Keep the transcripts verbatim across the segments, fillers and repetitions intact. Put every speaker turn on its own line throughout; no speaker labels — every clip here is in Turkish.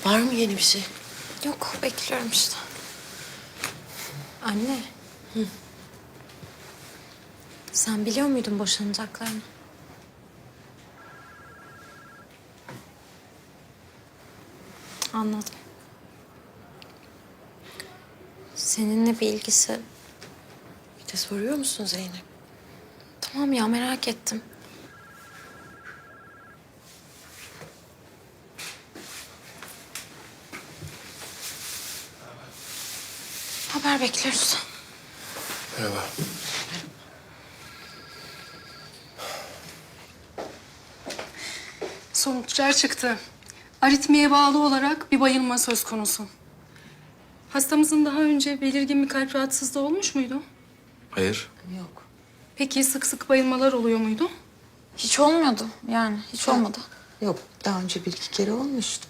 Var mı yeni bir şey?
Yok, bekliyorum işte. Anne. Hı. Sen biliyor muydun boşanacaklarını? Anladım. Seninle bir ilgisi...
Bir de soruyor musun Zeynep?
Tamam ya, merak ettim. Haber bekliyoruz.
Merhaba.
Sonuçlar çıktı. Aritmiye bağlı olarak bir bayılma söz konusu. Hastamızın daha önce belirgin bir kalp rahatsızlığı olmuş muydu?
Hayır.
Yok.
Peki sık sık bayılmalar oluyor muydu?
Hiç olmuyordu yani, hiç olmadı.
Yok, daha önce bir iki kere olmuştu.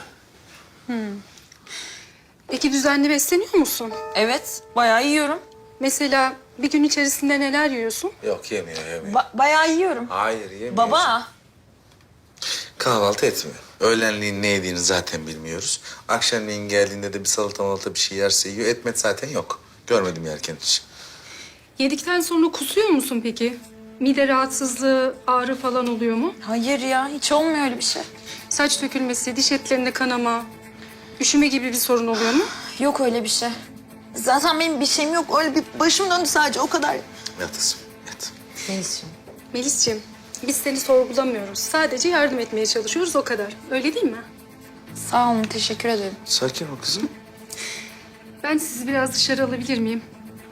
Peki düzenli besleniyor musun?
Evet, bayağı yiyorum.
Mesela bir gün içerisinde neler yiyorsun?
Yok yemiyor yemiyor.
Ba- bayağı yiyorum.
Hayır yemiyor.
Baba.
Kahvaltı etmiyor. Öğlenliğin ne yediğini zaten bilmiyoruz. Akşamleyin geldiğinde de bir salata malata bir şey yerse yiyor. Etmet zaten yok. Görmedim yerken hiç.
Yedikten sonra kusuyor musun peki? Mide rahatsızlığı, ağrı falan oluyor mu?
Hayır ya, hiç olmuyor öyle bir şey.
Saç dökülmesi, diş etlerinde kanama, üşüme gibi bir sorun oluyor mu?
Yok öyle bir şey. Zaten benim bir şeyim yok. Öyle bir başım döndü sadece, o kadar.
Yat kızım yat.
Melis'ciğim.
Melis'ciğim, biz seni sorgulamıyoruz. Sadece yardım etmeye çalışıyoruz, o kadar. Öyle değil mi?
Sağ olun, teşekkür ederim.
Sakin ol kızım.
Ben sizi biraz dışarı alabilir miyim?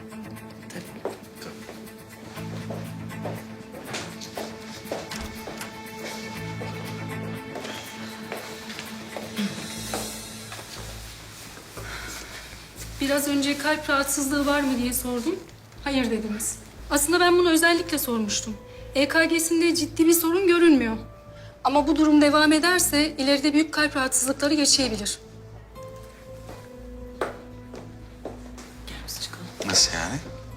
Biraz önce kalp rahatsızlığı var mı diye sordum. Hayır dediniz. Aslında ben bunu özellikle sormuştum. E K G'sinde ciddi bir sorun görünmüyor. Ama bu durum devam ederse ileride büyük kalp rahatsızlıkları yaşayabilir.
Nasıl yani?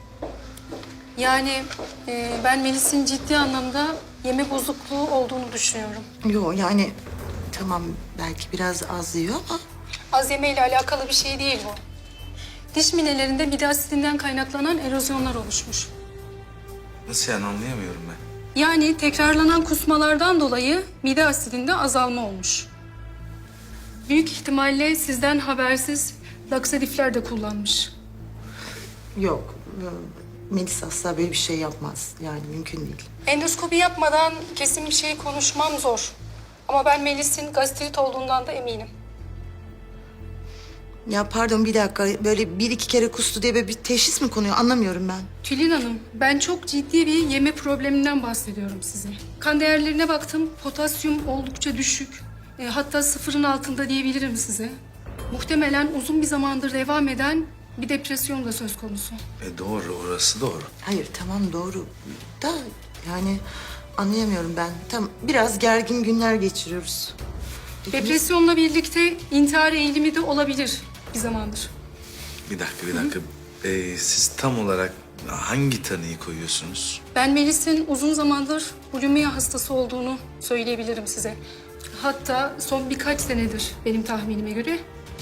Yani e, ben Melis'in ciddi anlamda yeme bozukluğu olduğunu düşünüyorum.
Yok yani tamam belki biraz az yiyor ama...
Az yemeyle alakalı bir şey değil bu. Diş minelerinde mide asidinden kaynaklanan erozyonlar oluşmuş.
Nasıl yani anlayamıyorum ben.
Yani tekrarlanan kusmalardan dolayı mide asidinde azalma olmuş. Büyük ihtimalle sizden habersiz laksatifler de kullanmış.
Yok. Melis asla böyle bir şey yapmaz. Yani mümkün değil.
Endoskopi yapmadan kesin bir şey konuşmam zor. Ama ben Melis'in gastrit olduğundan da eminim.
Ya pardon bir dakika. Böyle bir iki kere kustu diye böyle bir teşhis mi konuyor? Anlamıyorum ben.
Tülin Hanım, ben çok ciddi bir yeme probleminden bahsediyorum size. Kan değerlerine baktım, potasyum oldukça düşük. E, hatta sıfırın altında diyebilirim size. Muhtemelen uzun bir zamandır devam eden bir depresyon da söz konusu.
E doğru orası doğru.
Hayır tamam doğru. Da yani anlayamıyorum ben. Tam biraz gergin günler geçiriyoruz.
Depresyonla birlikte intihar eğilimi de olabilir bir zamandır.
Bir dakika bir dakika. Ee, siz tam olarak hangi tanıyı koyuyorsunuz?
Ben Melis'in uzun zamandır bulimia hastası olduğunu söyleyebilirim size. Hatta son birkaç senedir benim tahminime göre.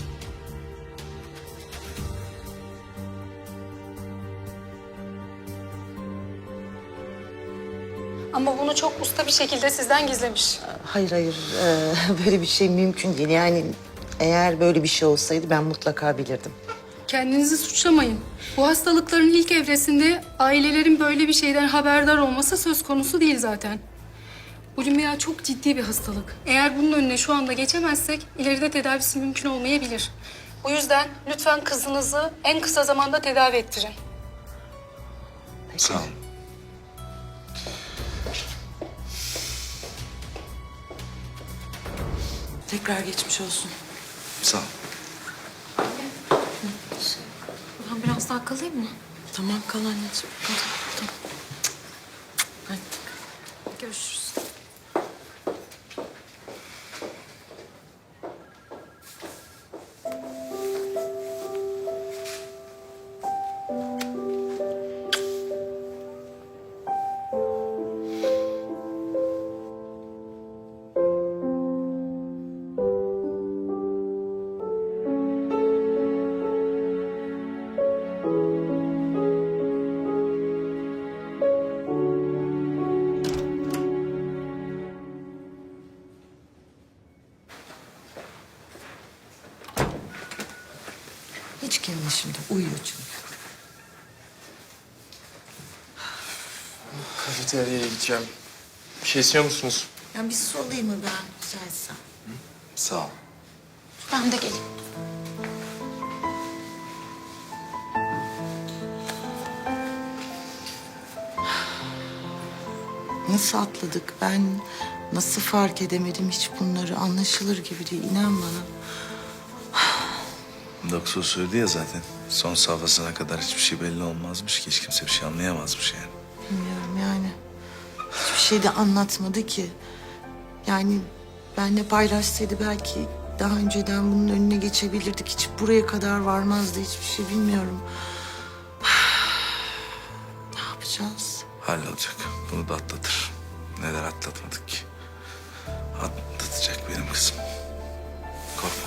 Ama bunu çok usta bir şekilde sizden gizlemiş.
Hayır hayır. Ee, böyle bir şey mümkün değil. Yani eğer böyle bir şey olsaydı ben mutlaka bilirdim.
Kendinizi suçlamayın. Bu hastalıkların ilk evresinde ailelerin böyle bir şeyden haberdar olması söz konusu değil zaten. Bulimia çok ciddi bir hastalık. Eğer bunun önüne şu anda geçemezsek ileride tedavisi mümkün olmayabilir. O yüzden lütfen kızınızı en kısa zamanda tedavi ettirin.
Sağ olun.
Tekrar geçmiş olsun.
Sağ ol.
Ben biraz daha kalayım mı?
Tamam kal anneciğim. Kal. Tamam. Hadi.
Görüşürüz.
kendine şimdi. Uyuyor çünkü.
Kafeteryaya gideceğim. Bir şey istiyor musunuz?
Ya bir su alayım mı ben rica etsem?
Sağ ol.
Ben de geleyim.
Nasıl atladık? Ben nasıl fark edemedim hiç bunları? Anlaşılır gibi değil. İnan bana.
Doktor söyledi ya zaten. Son safhasına kadar hiçbir şey belli olmazmış ki. Hiç kimse bir şey anlayamazmış yani.
Bilmiyorum yani. Hiçbir şey de anlatmadı ki. Yani benle paylaşsaydı belki daha önceden bunun önüne geçebilirdik. Hiç buraya kadar varmazdı hiçbir şey bilmiyorum. Ne yapacağız?
Hallolacak. Bunu da atlatır. Neler atlatmadık ki. Atlatacak benim kızım. Korkma.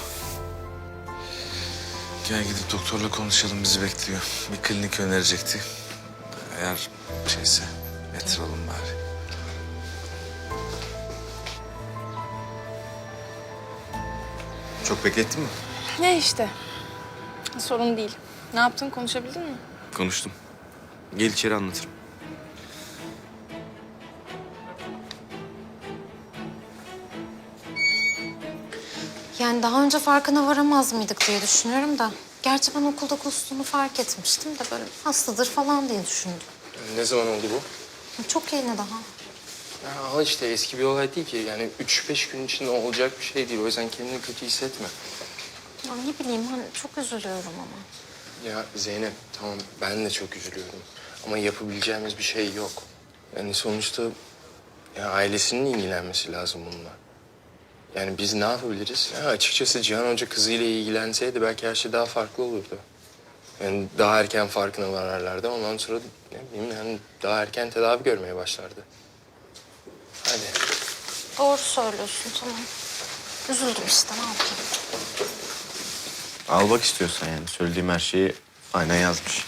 Gel gidip doktorla konuşalım, bizi bekliyor. Bir klinik önerecekti. Eğer şeyse yatıralım bari.
Çok beklettin mi?
Ne işte. Sorun değil. Ne yaptın? Konuşabildin mi?
Konuştum. Gel içeri anlatırım.
Yani daha önce farkına varamaz mıydık diye düşünüyorum da. Gerçi ben okulda kustuğunu fark etmiştim de böyle hastadır falan diye düşündüm.
Ne zaman oldu bu?
Çok yeni daha.
Ya al işte eski bir olay değil ki. Yani üç beş gün içinde olacak bir şey değil. O yüzden kendini kötü hissetme.
Ya ne bileyim ben çok üzülüyorum ama.
Ya Zeynep tamam ben de çok üzülüyorum. Ama yapabileceğimiz bir şey yok. Yani sonuçta ya ailesinin ilgilenmesi lazım bununla. Yani biz ne yapabiliriz? Ya açıkçası Cihan Hoca kızıyla ilgilenseydi belki her şey daha farklı olurdu. Yani daha erken farkına vararlardı. Ondan sonra ne bileyim yani daha erken tedavi görmeye başlardı. Hadi.
Doğru söylüyorsun tamam. Üzüldüm işte ne yapayım.
Al bak istiyorsan yani. Söylediğim her şeyi aynen yazmış.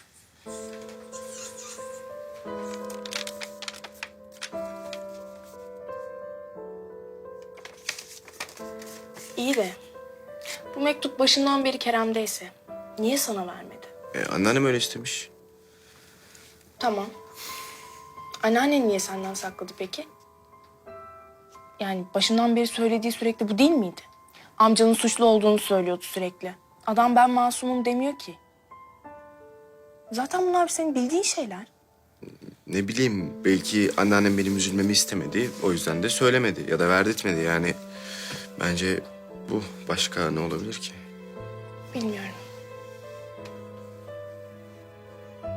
İyi de bu mektup başından beri Kerem'deyse niye sana vermedi?
E, anneannem öyle istemiş.
Tamam. Anneannen niye senden sakladı peki? Yani başından beri söylediği sürekli bu değil miydi? Amcanın suçlu olduğunu söylüyordu sürekli. Adam ben masumum demiyor ki. Zaten bunlar senin bildiğin şeyler.
Ne bileyim belki anneannem benim üzülmemi istemedi. O yüzden de söylemedi ya da verdirtmedi yani. Bence bu başka ne olabilir ki?
Bilmiyorum.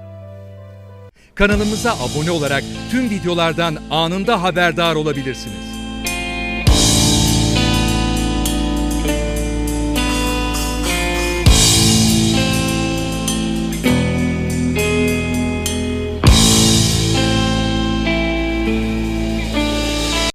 Kanalımıza abone olarak tüm videolardan anında haberdar olabilirsiniz.